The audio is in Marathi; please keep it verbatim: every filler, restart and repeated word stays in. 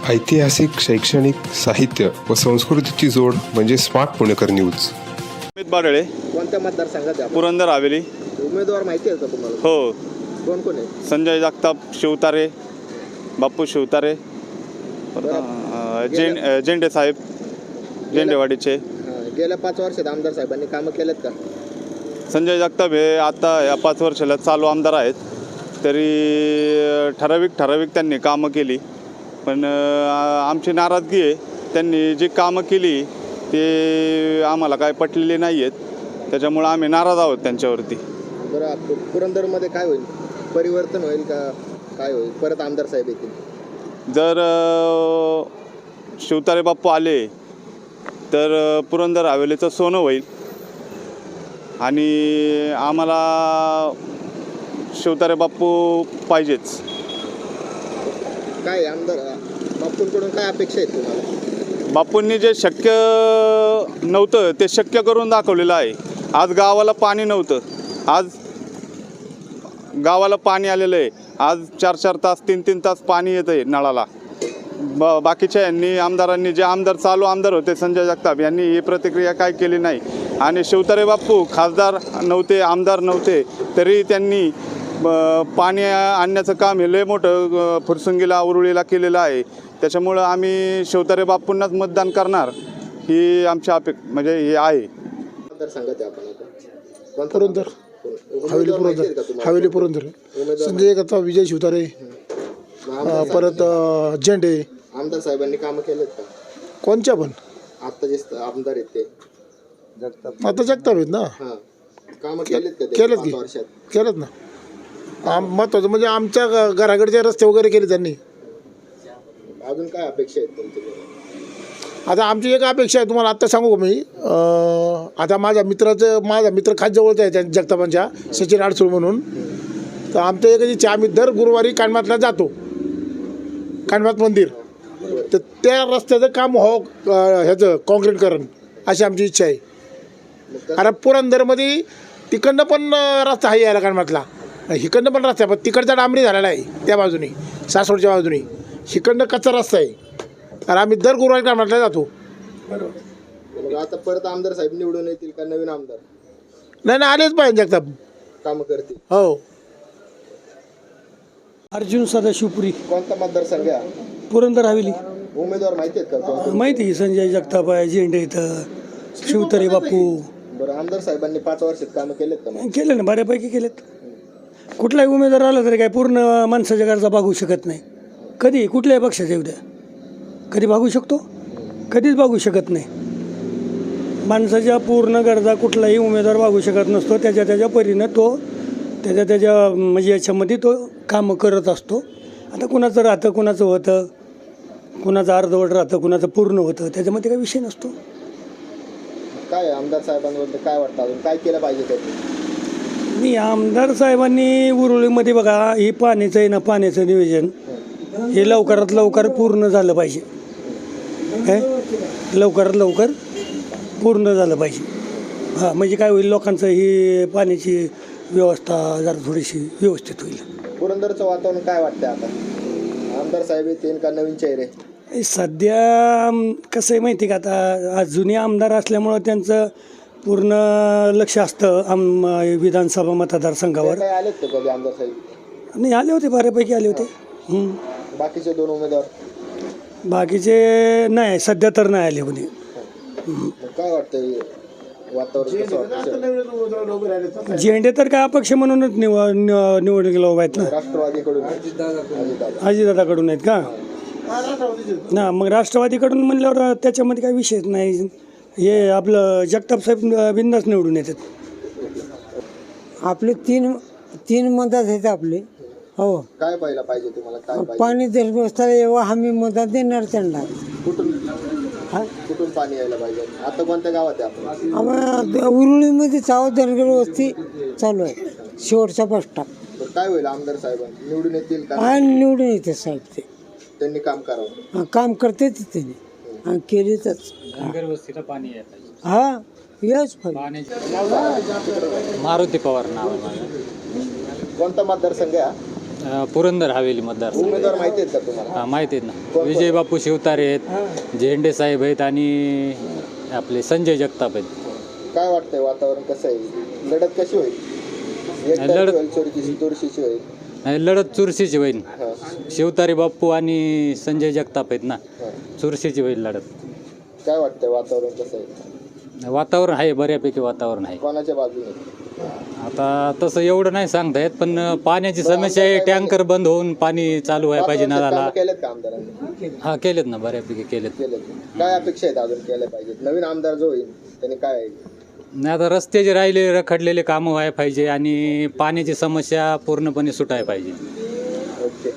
ऐतिहासिक, शैक्षणिक, साहित्य व संस्कृतीची जोड म्हणजे स्मार्ट पुणेकर न्यूज. अमित बारळे. कोणत्या मतदारसंघात आहे? पुरंदर हवेली. उमेदवार माहिती आहे का तुम्हाला? हो. कोण कोण आहे? संजय जगताप, शिवतारे, बापू शिवतारे, जें जेंडे साहेब, जेंडेवाडीचे. हां, गेल्या पाच वर्षात आमदार साहेबांनी कामं केलेत का? संजय जगताप हे आता या पाच वर्षाला चालू आमदार आहेत, तरी ठराविक ठराविक त्यांनी कामं केली, पण आमची नाराजगी आहे. त्यांनी जी कामं केली ते आम्हाला काय पटलेली नाही आहेत, त्याच्यामुळं आम्ही नाराज आहोत त्यांच्यावरती. बरं, पुरंदरमध्ये काय होईल? परिवर्तन होईल का? काय होईल? परत आमदार साहेब येतील? जर शिवतारे बाप्पू आले तर पुरंदर हवेलीचं सोनं होईल आणि आम्हाला शिवतारे बाप्पू पाहिजेच. काय आमदार बाप्पूंकडून काय अपेक्षा आहेत तुम्हाला? बापूंनी जे शक्य नव्हतं ते शक्य करून दाखवलेलं आहे. आज गावाला पाणी नव्हतं, आज गावाला पाणी आलेलं आहे. आज चार चार तास तीन तीन तास पाणी येतं आहे नळाला. ब बाकीच्या यांनी आमदारांनी, जे आमदार चालू आमदार होते संजय जगताप यांनी ही प्रतिक्रिया काय केली नाही. आणि शिवतारे बाप्पू खासदार नव्हते, आमदार नव्हते, तरी त्यांनी पाणी आणण्याचं काम हे लय मोठं फुरसुंगीला उरुळीला केलेलं आहे. त्याच्यामुळं आम्ही शिवतारे बाप्पूंनाच मतदान करणार ही आमची अपेक म्हणजे हे आहे. मतदारसंघात आहे आपण आता. पुरंदर हवेली, पुरंदर हवेली पुरंदर. संजय जगताप, विजय शिवतारे, परत झेंडे. आमदार साहेबांनी कामं केलेत का? कोणच्या पण आता जे आमदार आहेत ते जगताप, आता जगताप आहेत ना. हां, कामं केलेत का? केलेत पाच की वर्षात केलेत ना. आम महत्वाचं म्हणजे आमच्या घराकडचे रस्ते वगैरे केले त्यांनी. अजून काय अपेक्षा आहेत तुमच्याकडे? आता आमची एक अपेक्षा आहे, तुम्हाला आत्ता सांगू का मी. आता माझ्या मित्राचं माझा मित्र खास जवळचा आहे त्या जगतापांच्या, सचिन आडसूळ म्हणून. तर आमच्या एक इच्छा, आम्ही दर गुरुवारी कानमातला जातो, कानमात मंदिर. तर त्या रस्त्याचं काम हो ह्याचं काँक्रीटकरण अशी आमची इच्छा आहे. कारण पुरंदरमध्ये तिकडनं पण रस्ता आहे यायला कानमातला, हिकडनं पण रस्ता आहे, पण तिकडचा डांबरी झालेला आहे त्या बाजूने, सासवडच्या बाजूने. हिकडनं कच्चा रस्ता आहे. तर आम्ही दर गुरुवारी कानमातला जातो. बरोबर. आता परत आमदार साहेब निवडून येतील का नवीन आमदार? नाही नाही, आलेच पाहिजे जगताप, कामं करतील. हो. अर्जुन सदाशिवपुरी, कोणता मतदारसंघ आहे? पुरंदर हवेली. उमेदवार माहिती आहेत का कोण? माहिती आहे, संजय जगताप आहे, झेंडे इथं, शिवतारे बापू. बरं, आमदार साहेबांनी पाच वर्षात कामं केलेत का मग? केले ना, बऱ्यापैकी केलेत. कुठलाही उमेदवार आला तरी काय पूर्ण माणसाच्या गरजा भागू शकत नाही. कधी कुठल्याही पक्षाच्या उद्या कधी भागू शकतो? कधीच भागू शकत नाही. माणसाच्या पूर्ण गरजा कुठलाही उमेदवार भागू शकत नसतो. त्याच्या त्याच्या परीनं तो त्याच्या त्याच्या म्हणजे याच्यामध्ये तो कामं करत असतो. आता कुणाचं राहतं, कुणाचं होतं, कुणाचं अर्धवट राहतं, कुणाचं पूर्ण होतं, त्याच्यामध्ये काही विषय नसतो. काय आमदार साहेबांबद्दल काय वाटतं, अजून काय केलं पाहिजे त्यांनी? मी आमदार साहेबांनी उरुळीमध्ये बघा, हे पाण्याचं आहे ना, पाण्याचं नियोजन हे लवकरात लवकर पूर्ण झालं पाहिजे. काय लवकरात लवकर पूर्ण झालं पाहिजे. हां, म्हणजे काय होईल, लोकांचं ही पाण्याची व्यवस्था जरा थोडीशी व्यवस्थित होईल. पुरंदरचं वातावरण काय वाटतं आता? आमदार साहेब येतील का नवीन चेहरे? सध्या कसं आहे माहिती का, आता जुने आमदार असल्यामुळं त्यांचं पूर्ण लक्ष असतं आम विधानसभा मतदारसंघावर. काय आलेत का कधी आमदार साहेब? नाही, आले होते, बऱ्यापैकी आले होते. बाकीचे दोन उमेदवार? बाकीचे नाही, सध्या तर नाही आले कोणी. काय वाटतं वातावरण कसं वाटतं? झेंडे तर काय अपक्ष म्हणूनच निव निवडणुकीला उभा आहेत ना. राष्ट्रवादीकडून अजितदादाकडून आहेत का? ना, मग राष्ट्रवादीकडून म्हणल्यावर त्याच्यामध्ये काही विषयच नाही. हे आपलं जगताप साहेब बिंदास निवडून येतात. आपले तीन तीन मदत आहेत आपले. हो, काय पाहिलं पाहिजे तुम्हाला? काय पाहिजे? पाणी जर बसताना येव्हा आम्ही मदत देणार त्यांना. कुठून कुठून पाणी यायला पाहिजे? आता कोणत्या गावात आहे आपण? आम्हाला उरुळीमध्ये चाव दरगड वस्ती चालू आहे, शेवटचा बस स्टॉप. काय होईल आमदार साहेब निवडून येतील का? आणि निवडून येते साहेब, ते त्यांनी काम करावं. काम करते त्यांनी आणि केलीतच. हा, यच मारुती पवार नाव आहे माझं. कोणता मतदारसंघ आहे? अ, पुरंदर हवेली मतदारसंघ उमेदवार माहिती आहेत का तुम्हाला हा, माहिती आहेत ना. कोण? विजय बापू शिवतारे आहेत, झेंडे साहेब आहेत आणि आपले संजय जगताप आहेत. काय वाटतंय वातावरण कसं आहे लढत कशी होईल एकतर्फी लढत- होईल चुरशीची चुरशीची होईल आणि लढत चुरशीची होईल. हां शिवतारे बापू आणि संजय जगताप आहेत ना, हां चुरशीची होईल लढत. काय वाटतंय वातावरण कसं आहे वातावरण आहे, बऱ्यापैकी वातावरण आहे. कोणाच्या बाजूने आता तसं एवढं नाही सांगता येत, पण पाण्याची समस्या आहे. टँकर बंद होऊन पाणी चालू व्हायला पाहिजे पाच वर्षात नळाला. कामं केलेत का आमदारांनी हा, केलेत ना, बऱ्यापैकी केलेत. केलेत काय अपेक्षा आहेत अजून केल्या पाहिजेत नवीन आमदार जो होईल त्यांनी काय नाही, आता रस्ते जे राहिले रखडलेले कामं व्हायला पाहिजे आणि पाण्याची समस्या पूर्णपणे सुटायला पाहिजे.